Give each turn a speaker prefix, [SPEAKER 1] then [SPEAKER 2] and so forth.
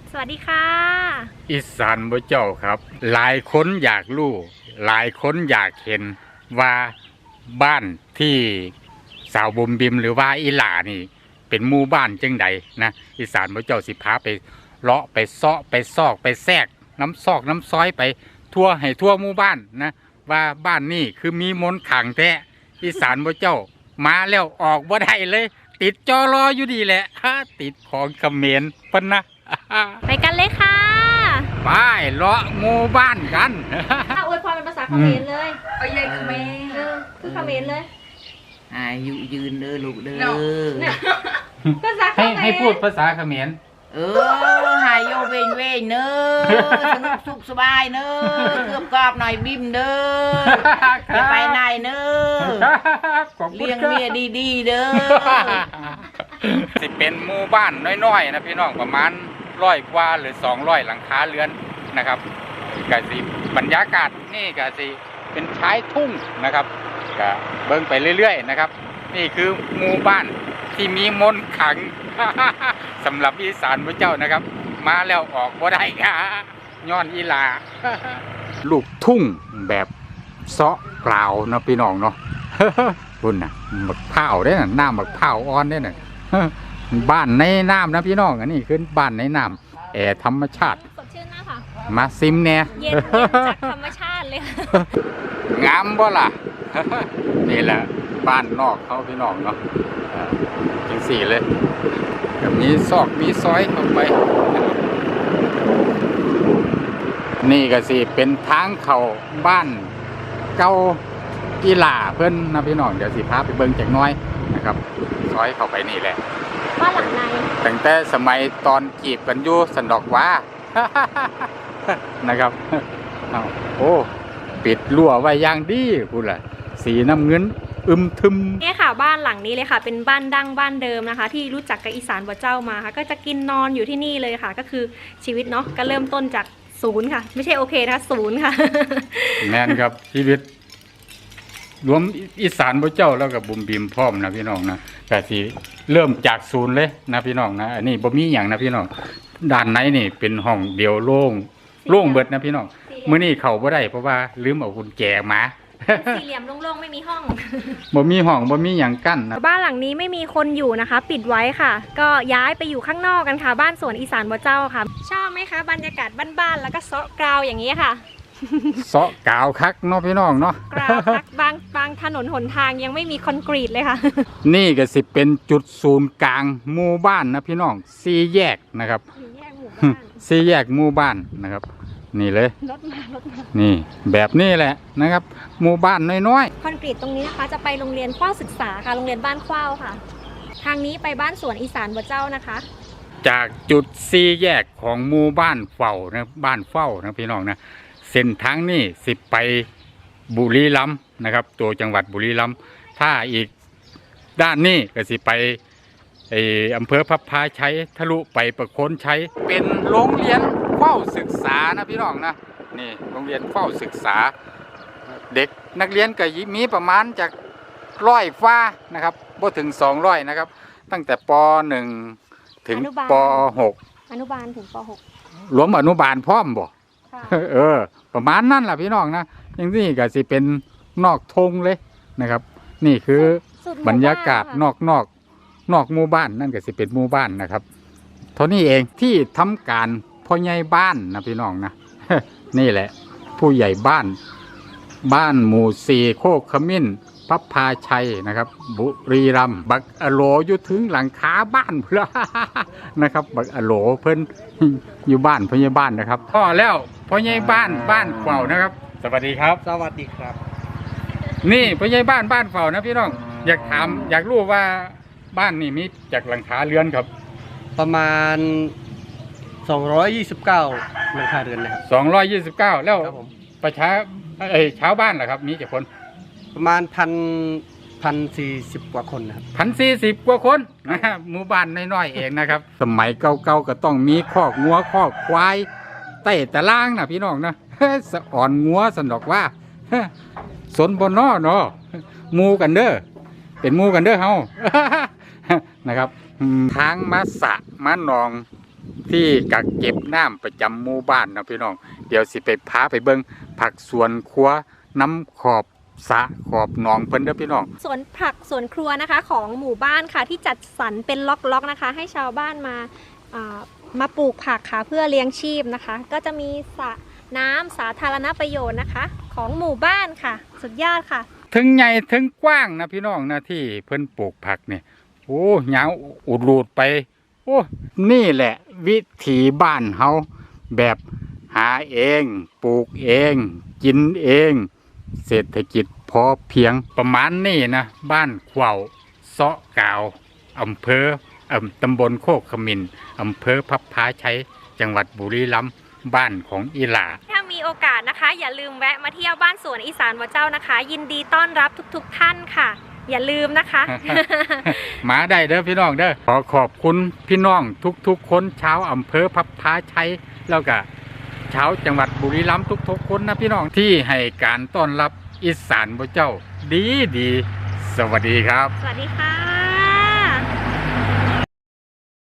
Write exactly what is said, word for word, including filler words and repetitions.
[SPEAKER 1] สวัสดีค่ะ
[SPEAKER 2] อีสานบ่เจ้าครับ หลายคนอยากรู้หลายคนอยากเห็นว่าบ้านที่สาวบุมบิมหรือว่าอีหล่านี่เป็นหมู่บ้านจังใดนะอีสานบ่เจ้าสิพาไปเลาะไปเซาะไปซอกไปแทรกน้ำซอกน้ำซอยไปทั่วให้ทั่วหมู่บ้านนะว่าบ้านนี่คือมีมนต์ขลังแท้อีสานบ่เจ้ามาแล้วออกบ่ได้เลย ติดจอรออยู่ดีแหละติดของเขมรปะนะ
[SPEAKER 1] ไปกันเลยค่ะ
[SPEAKER 2] ไปเลาะหมู่บ้านกัน
[SPEAKER 1] ถ้าอวยพรเป็นภาษาเขมรเลย
[SPEAKER 3] เอาใหญ่เขมร
[SPEAKER 1] เออคือเขมรเลย
[SPEAKER 3] อายุยืนเด้อลูกเด้อ
[SPEAKER 1] ภาษาเขมร
[SPEAKER 2] ให้ให้พูดภาษาเขมร
[SPEAKER 3] เออหายโยเวงเวงเนอสนุกสุขสบายเนอเกือบกรอบหน่อยบิมเด้อจะไปไหนเนอเลี้ยงเมียดีๆเด้อ
[SPEAKER 2] สิเป็นหมู่บ้านน้อยๆนะพี่น้องประมาณร้อยกว่าหรือสองร้อยหลังคาเรือนนะครับกะสิบรรยากาศนี่กะสิเป็นชายทุ่งนะครับกะเบิ่งไปเรื่อยๆนะครับนี่คือหมู่บ้านที่มีมนต์ขลังสำหรับอีสานพระเจ้านะครับมาแล้วออกบ่ได้ค่ะย้อนอีหลาลูกทุ่งแบบเซาะกล่าวนะพี่น้องเนาะคุณน่ะหมักเผาได้น่ะน้ำหมักเผาอ่อนได้น่ะบ้านในน้ำนะพี่น้องอันนี้คือบ้านในน้ำแอร์ธรรมชาติ
[SPEAKER 1] สดชื่นนะค่ะ
[SPEAKER 2] มาซิมเนี่ย
[SPEAKER 1] เย็นจากธรรมชาติเลย
[SPEAKER 2] งามบ่ล่ะนี่แหละบ้านนอกเขาพี่น้องเนาะจังสี่เลยแบบนี้ซอกมีซอยเข้าไปนี่ก็สิเป็นทางเข้าบ้านเก่ากีฬาเพื่อนนะพี่น้องเดี๋ยวสิพาไปเบิ่งจักน้อยนะครับซอยเข้าไปนี่แหละ
[SPEAKER 1] บ้านหลังใน
[SPEAKER 2] ตั้งแต่สมัยตอนจีบกันอยู่สันดอกว่านะครับโอ้ปิดรั้วไว้อย่างดีพูดแหละสีน้ำเงินอึมทึม
[SPEAKER 1] นี่ค่ะบ้านหลังนี้เลยค่ะเป็นบ้านดั้งบ้านเดิมนะคะที่รู้จักกับอีสานบ่เจ้ามาค่ะก็จะกินนอนอยู่ที่นี่เลยค่ะก็คือชีวิตเนาะก็เริ่มต้นจากศูนย์ค่ะไม่ใช่โอเคนะคะศูนย์ค่ะ
[SPEAKER 2] แม่นครับชีวิตรวมอีสานบ่เจ้าแล้วกับบุมบิมพร้อมนะพี่น้องนะแต่สิเริ่มจากศูนย์เลยนะพี่น้องนะอันนี้บ่มีอย่างนะพี่น้องด้านในนี่เป็นห้องเดียวโล่งโล่งเบิดนะพี่น้องมื้อนี้เข้าบ่ได้เพราะว่าลืมเอากุญแจมา
[SPEAKER 1] สี่เหลี่ยมโล่งๆไม่มีห้อง
[SPEAKER 2] บ่มีห้องบ่มีอย่างกั้นนะ
[SPEAKER 1] บ้านหลังนี้ไม่มีคนอยู่นะคะ ปิดไว้ค่ะก็ย้ายไปอยู่ข้างนอกกันค่ะบ้านสวนอีสานบ่เจ้าค่ะชอบไหมคะบรรยากาศบ้านๆแล้วก็เซาะกราวอย่างนี้ค่ะ
[SPEAKER 2] เซาะกาวคักเนาะพี่น้องเนาะ
[SPEAKER 1] กราวคักบางบางถนนหนทางยังไม่มีคอนกรีตเลยค่ะ
[SPEAKER 2] นี่ก็สิเป็นจุดศูนย์กลางหมู่บ้านนะพี่น้องสี่แยกนะครับสี่แยกหมู่บ้านนะครับนี่เลยรถมารถมานี่แบบนี้แหละนะครับหมู่บ้านน้อย
[SPEAKER 1] ๆคอนกรีตตรงนี้นะคะจะไปโรงเรียนขว้าวศึกษาค่ะโรงเรียนบ้านขว้าวค่ะทางนี้ไปบ้านสวนอีสานบ่เจ้านะคะ
[SPEAKER 2] จากจุดสี่แยกของหมู่บ้านเฝ้านะบ้านเฝ้านะพี่น้องนะเส้นทางนี้สิไปบุรีรัมย์นะครับตัวจังหวัดบุรีรัมย์ถ้าอีกด้านนี้ก็สิไปไออำเภอพับพาชัยทะลุไปประโคนชัยเป็นโรงเรียนเฝ้าศึกษานะพี่น้องนะนี่โรงเรียนเฝ้าศึกษาเด็กนักเรียนก็มีประมาณจากร้อยฟ้านะครับบ่ถึงสองร้อยนะครับตั้งแต่ป.หนึ่ง ถึงป.หก
[SPEAKER 1] อนุบาลถึงป.หก
[SPEAKER 2] รวมอนุบาลพร้อมบ่เออประมาณนั่นแหละพี่น้องนะอย่างนี้ก็สิเป็นนอกทงเลยนะครับนี่คือบรรยากาศนอกนอกนอกหมู่บ้านนั่นก็สิเป็นหมู่บ้านนะครับเท่านี้เองที่ทำการพ่อใหญ่บ้านนะพี่น้องนะนี่แหละผู้ใหญ่บ้านบ้านหมู่สี่โคกขมิ้นพับพาชัยนะครับบุรีรัมย์บักอโลอยู่ถึงหลังคาบ้านเพื่อนะครับบักอโลเพิ่นอยู่บ้านพ่อใหญ่บ้านนะครับพ่อแล้วพ่อใหญ่บ้านบ้านเฝ้านะครับสวัสดีครับ
[SPEAKER 4] สวัสดีครับ
[SPEAKER 2] นี่พ่อใหญ่บ้านบ้านเฝ้านะพี่น้องอยากถามอยากรู้ว่าบ้านนี่มีจากหลังคาเรือนครับ
[SPEAKER 4] ประมาณสองร้อยยี่สิบเก้าหลังคาเรือนนะครับ
[SPEAKER 2] สองร้อยยี่สิบเก้าแล้วประชาเอ้ยชาวบ้านเหรอครับมีกี่คน
[SPEAKER 4] ประมาณพันพันสี่สิบกว่าคนนะครับ
[SPEAKER 2] พันสี่สิบกว่าคนนะครับหมู่บ้านน้อยๆเองนะครับสมัยเก่าๆก็ต้องมีคอกงัวคอกควายเต้ตะล่างนะพี่น้องนะสะอ่อนงัวสนอกว่าสนบนนอเนาะมูกันเด้อเป็นมูกันเด้อเฮานะครับทางมาสะมาหนองที่กักเก็บน้ำประจำหมู่บ้านนะพี่น้องเดี๋ยวสิไปพาไปเบิ่งผักสวนครัวน้ำขอบสระขอบหนองเพิ่นเด้อพี่น้อง
[SPEAKER 1] สวนผักสวนครัวนะคะของหมู่บ้านค่ะที่จัดสรรเป็นล็อกๆนะคะ ให้ชาวบ้านมาอ่ามาปลูกผักค่ะเพื่อเลี้ยงชีพนะคะ ก็จะมีสระน้ำสาธารณประโยชน์นะคะ ของหมู่บ้านค่ะสุดยอดค่ะ
[SPEAKER 2] ถึงใหญ่ถึงกว้างนะพี่น้องนะที่เพิ่นปลูกผักเนี่ยโอ้ยาวอุดรูดไปโอ้นี่แหละวิถีบ้านเฮาแบบหาเองปลูกเองกินเองเศรษฐกิจพอเพียงประมาณนี้นะบ้านขวาวเซาะกาวอำเภออำตำบลโคกขมินอำเภอพับพาชัยจังหวัดบุรีรัมย์บ้านของอีหลา
[SPEAKER 1] ถ้ามีโอกาสนะคะ อย่าลืมแวะมาเที่ยวบ้านสวนอีสานวัดเจ้านะคะ ยินดีต้อนรับทุกๆท่านค่ะ อย่าลืมนะคะ
[SPEAKER 2] มาได้เด้อพี่น้องเด้อขอขอบคุณพี่น้องทุกๆคนชาวอำเภอพับพาชัยแล้วก็ชาวจังหวัดบุรีรัมย์ทุกๆคนนะพี่น้องที่ให้การต้อนรับอีสานบ่เจ้าดีดีสวัสดีครับ
[SPEAKER 1] สวัสดีค่ะ